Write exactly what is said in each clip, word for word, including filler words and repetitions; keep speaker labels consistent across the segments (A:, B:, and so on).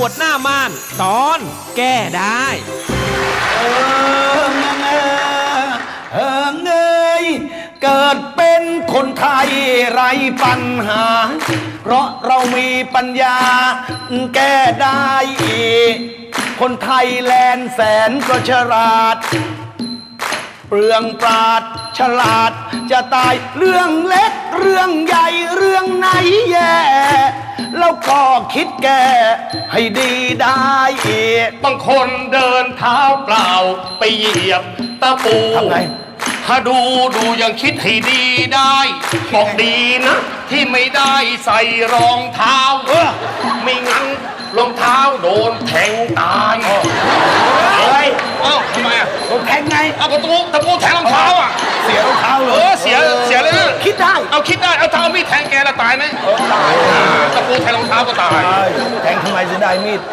A: วดหน้าม่านตอนแก้ได้
B: เออเงยเออเงยเกิดเป็นคนไทยไรปัญหาเพราะเรามีปัญญาแก้ได้คนไทยแลนแสนก็ฉลาดเปลืองปราดฉลาดจะตายเรื่องเล็กเรื่องใหญ่เรื่องไหนแย่แล้วก็คิดแก้ให้ดีได้
C: บางคนเดินเท้าเปล่าไปเหยียบตะปู
B: ทำไง
C: ถ้าดูดูยังคิดให้ดีได้บอกดีนะที่ไม่ได้ใส่รองเท้าเออไม่งั้นรองเท้าโดนแทงตายเฮ้ยเอ้าทำไมอ่ะ
B: โดนแทงไง
C: เอาประตูตะปูแทงรองเท้าอ่ะ
B: เสียรองเท้าเลย
C: เออเสียเสียเลยนะ
B: คิดได้
C: เอาคิดได้เอาเท้ามีดแทงแกละตายไหม
B: ตาย
C: ตะปูแทงรองเท้าก็ตาย
B: แทงทำไมจะได้มีด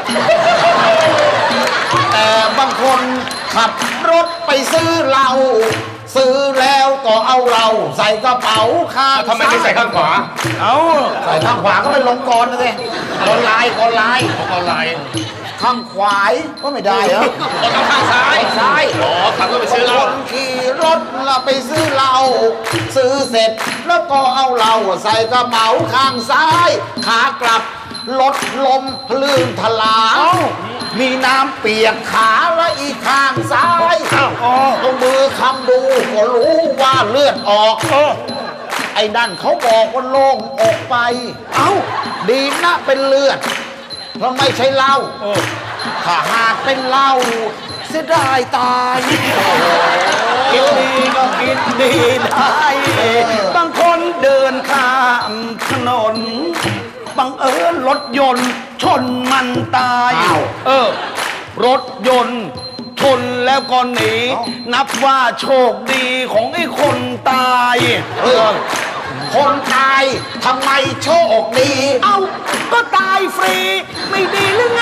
B: แต่บางคนขับรถไปซื้อเหล้าซื้อแล้วก็เอาเราใส่กระเป๋าข้าง
C: ทำไมไม่ใส่ข้างขวา
B: เอาใส่ข้างขวาก็ไปลงกรนะสิกรลายกรลาย
C: กรลาย
B: ข้างขวายก็ไม่ได้เหรอ
C: ต้องข้างซ้าย
B: ซ้าย
C: อ๋อขับรถไปซื้อเหล้า
B: ขี่รถแล้วไปซื้อเหล้าซื้อเสร็จแล้วก็เอาเราใส่กระเป๋าข้างซ้ายขากลับรถลมพลื่นทลามีน้ำเปียกขาและอีกข้างซ้ายเอามือคำดูก็รู้ว่าเลือดออกไอ้นั่นเขาบอกว่าโล่งออกไปเอ้าดีนะเป็นเลือดเพราะไม่ใช่เหล้าถ้าหากเป็นเหล้าเสียดายตายกินดีก็กินดีได้บางคนเดินข้ามถนนบังเอิญรถยนต์ชนมันตายเออรถยนต์ชนแล้วก็หนีนับว่าโชคดีของไอ้คนตายเออคนตายทำไมโชคดีเอ้าก็ตายฟรีไม่ดีหรือไง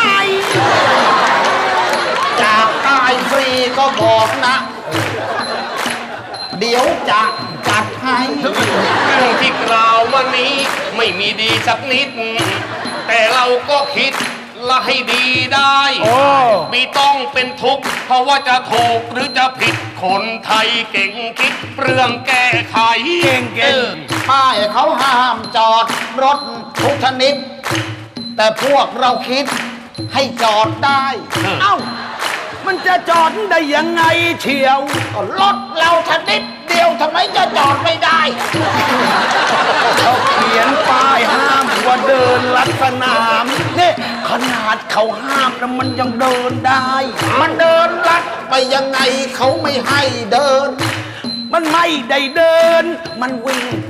B: จากตายฟรีก็บอกนะเดี๋ยวจะจัดให้
C: เรื่องที่กล่าวมานี้ไม่มีดีสักนิดแต่เราก็คิดละให้ดีได้ไม่ต้องเป็นทุกข์เพราะว่าจะถูกหรือจะผิดคนไทยเก่งคิดเรื่องแก้ไข
B: เก่งเก่งป้ายเขาห้ามจอดรถทุกชนิดแต่พวกเราคิดให้จอดได้เอ้ามันจะจอดได้ยังไงเชียวรถเราชนิดเดียวทำไมจะจอดไม่ได้เขาเขียนป้ายห้ามว่าเดินลัดสนามนี่ขนาดเขาห้ามแล้วมันยังเดินได้มันเดินลัดไปยังไงเขาไม่ให้เดินมันไม่ได้เดินมันวิ่งไป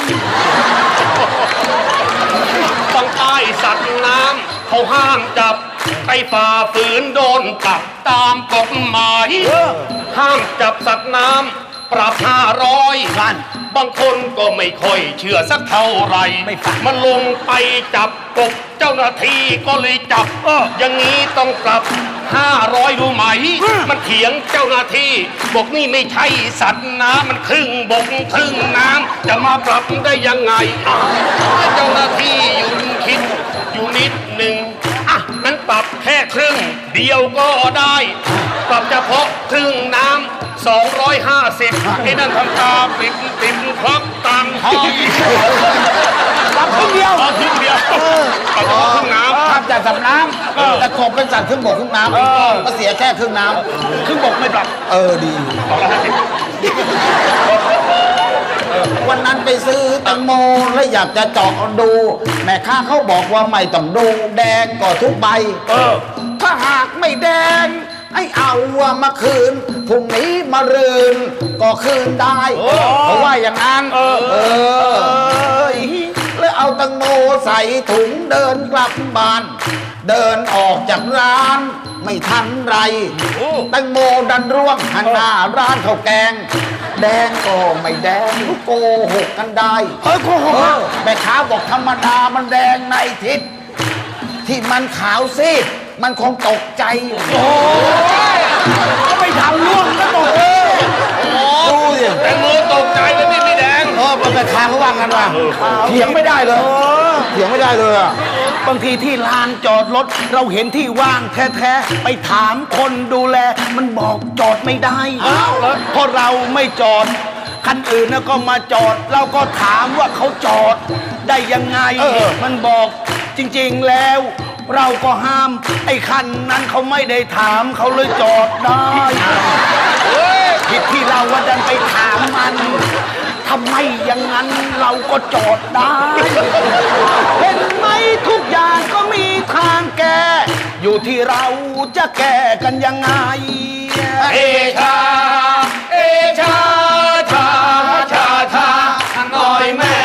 C: บางป้ายสัตว์น้ำเขาห้ามจับไปฝ่าฝืนโดนปรับตามกฎหมายห้ามจับสัตว์น้ำปรับห้าร้อยบางคนก็ไม่ค่อยเชื่อสักเท่าไหร่มันลงไปจับกบเจ้าหน้าที่ก็เลยจับเอออย่างนี้ต้องปรับห้าร้อยรู้ไหมมันเถียงเจ้าหน้าที่บอกนี่ไม่ใช่สัตว์น้ำมันครึ่งบกครึ่งน้ำจะมาปรับได้ยังไงเจ้าหน้าที่อยู่คิดอยู่นิดหนึ่งอ่ะนั้นปรับแค่ครึ่งเดียวก็ได้ปรับเฉพาะครึ่งน้ำสองร้อยห้าสิบไอ้นั่นทำตาปิดปิดควักตังค์
B: ปรับครึ่งเดียว
C: ครึ่งเดียวปรับครึ่งน้ำ
B: ทำจากสัตว์น้ำแต่กบเป็นสัตว์ครึ่งบกครึ่งน้ำก็เสียแค่ครึ่งน้ำครึ่งบกไม่ปรับเออดีวันนั้นไปซื้อแตงโมแล้วอยากจะเจาะดูแม่ค้าเขาบอกว่าไม่ต้องดูแดงก็ทุกใบเออถ้าหากไม่แดงให้เอามาคืนพรุ่งนี้มารืนก็คืนได้เพราะว่าอย่างนั้นเออเออแล้วเอาแตงโมใส่ถุงเดินกลับบ้านเดินออกจากร้านไม่ทันไรแตงโมดันร่วงหันหน้าร้านข้าวแกงแดงก็ไม่แดงโกหกกันได้เออโกหกแม่ค้าบอกธรรมดามันแดงในทิศที่มันขาวซีดมันคงตกใจโอ้ยก็ไม่ทำร่วงก็ตกเลยดูสิ
C: แตงโมตกใจแล้วนี่ไม่แดง
B: เออแม่ค้าเขาว่ากันว่าเถียงไม่ได้เลยเถียงไม่ได้เลยอ่ะ
D: บางทีที่ลานจอดรถเราเห็นที่ว่างแท้ๆไปถามคนดูแลมันบอกจอดไม่ได้เพราะเราไม่จอดคันอื่นนะก็มาจอดเราก็ถามว่าเขาจอดได้ยังไงมันบอกจริงๆแล้วเราก็ห้ามไอ้คันนั้นเขาไม่ได้ถามเขาเลยจอดได้ผิดที่เราว่าดันไปถามมันทำไมอย่างนั้นเราก็จอดได้เห็นไหมทุกอย่างก็มีทางแก้อยู่ที่เราจะแก้กันยังไง
C: เอชาเอชาชาชาชาหน่อยแม่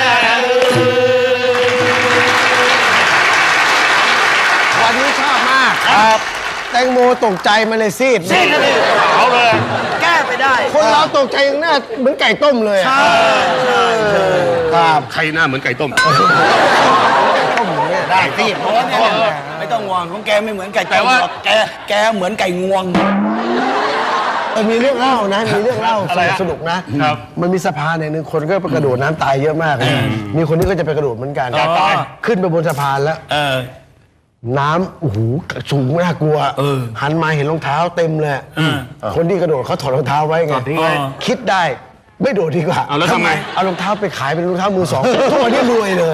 B: วันนี้ชอบมากครับแตงโมตกใจมันเลยซีด
D: ซีดเลย
C: เอาเลย
D: แก้ไปได้
B: คนเราตกใจอย่างหน้าเหมือนไก่ต้มเลย
D: ใช่ใช่
B: ครับ
C: ใครหน้าเหมือนไก่ต้ม
B: ต้มอย่างเงี้ยได้ซีดเพราะว่า
D: ไม่ต้องห่วงของแกไม่เหมือนไก่ต้มหรอกแกแกเหมือนไก่งวง
B: มีเรื่องเล่านะมีเรื่องเล่าสนุกนะมันมีสะพานหนึ่งคนก็ไปกระโดดน้ำตายเยอะมากเลยมีคนนี้ก็จะไปกระโดดเหมือนกันขึ้นไปบนสะพานแล้วน้ำโอ้โหสูงน่ากลัวหันมาเห็นรองเท้าเต็มเลยคนที่กระโดดเขาถอดรองเท้าไว้ไงคิดได้ไม่โดดดีกว่า
C: เอาแล้วทำไม
B: เอารองเท้าไปขายเป็นรองเท้ามือสองทุกวันนี้รวยเลย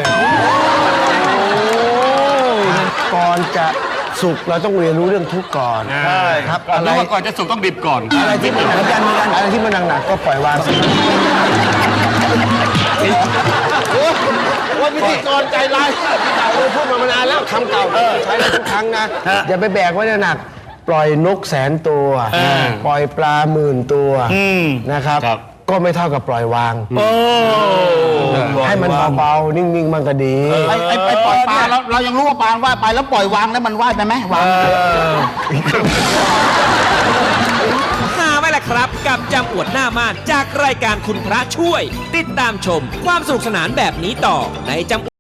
B: ก่อนจะสุขเราต้องเรียนรู้เรื่องทุกข์ก่อน
C: ใช่
B: ครับ
C: อะไรก่อนจะสุขต้องดิบก่อน
B: อะไรที่มันหนักกันอะไรที่มันหนักๆก็ปล่อยวางว่าพิธีกรใจร้ายเราพูดมามานานแล้วคำเก่าใช้ได้ทุกครั้งนะอย่าไปแบกไว้หนักปล่อยนกแสนตัวปล่อยปลาหมื่นตัวนะครับก็ไม่เท่ากับปล่อยวางให้มันเบาๆนิ่งๆมันก็ดี
D: ไอ้ไอ้ปล่อยปลาเราเรายังรู้ว่าปลาว่ายไปแล้วปล่อยวางแล้วมันว่ายไปไหมวาง
A: หาไว้แหละครับกับจำอวดหน้าม่านจากรายการคุณพระช่วยติดตามชมความสนุกสนานแบบนี้ต่อในจำ